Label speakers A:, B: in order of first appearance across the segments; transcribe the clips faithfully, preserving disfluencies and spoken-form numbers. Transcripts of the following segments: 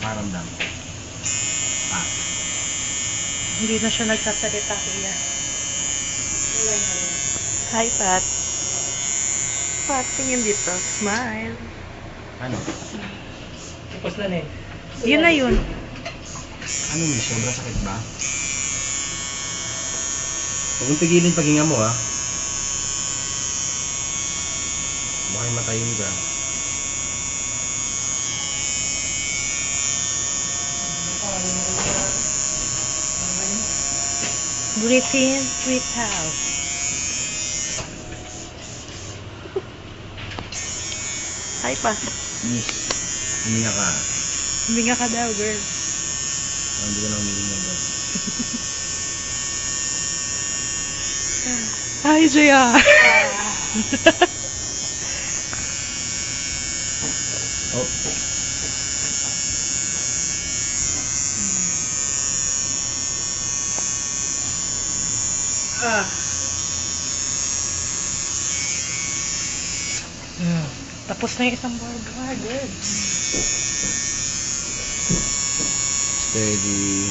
A: Paramdam. Ah.
B: Hindi na siya nagsasalita, kuya. Hi, Pat. Pat, tingin dito. Smile.
A: Ano?
C: Tapos na eh.
B: Yun na yun.
A: Ano miss? Sobrang sakit ba? Huwag mong pigilin paghinga mo ah. Baka matayin ka.
B: Breathe in, breathe out. Hi, Pat.
A: Miss, huminga ka.
B: Huminga ka daw, girl.
A: Oh, hindi ka na huminga ba?
B: Hi, J R.
A: Oh.
B: Ah. Hmm. Tapos na yung isang burger, girl.
A: Steady.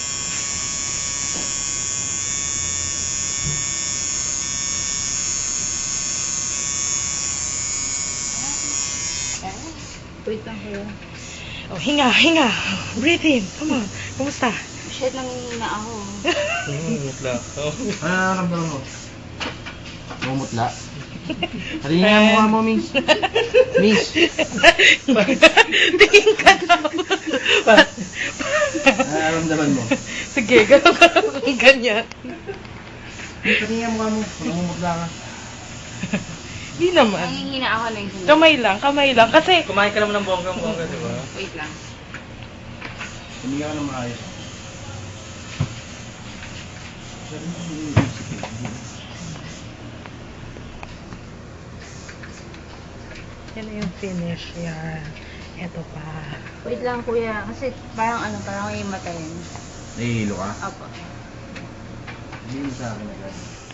D: Wait lang kuya.
B: Oh, hinga, hinga. Breathe in. Come on. Kumusta?
D: Shit, nangihina ako.
C: Mutla ako.
A: Ano nakaramdaman mo? Mumutla? Halina nga mukha mo, miss. Miss.
B: Tingin ka daw.
A: Ano nakaramdaman mo?
B: Sige, gano'n ka lang ganyan.
A: Miss, halina nga mukha mo. Mumutla ka.
B: Hindi naman.
D: Nangihina ako na yung
B: Kamay lang, kamay lang. Kasi,
C: Kumain ka naman ng bonggang-bongga, di ba?
D: Wait lang.
A: Huminga ka ng maayos.
B: yan na yung finish. Yan. Eto pa.
D: Wait lang kuya. Kasi parang ano, parang may matayin.
A: Nahihilo ka?
D: Apo.
A: Hindi mo sa akin agad.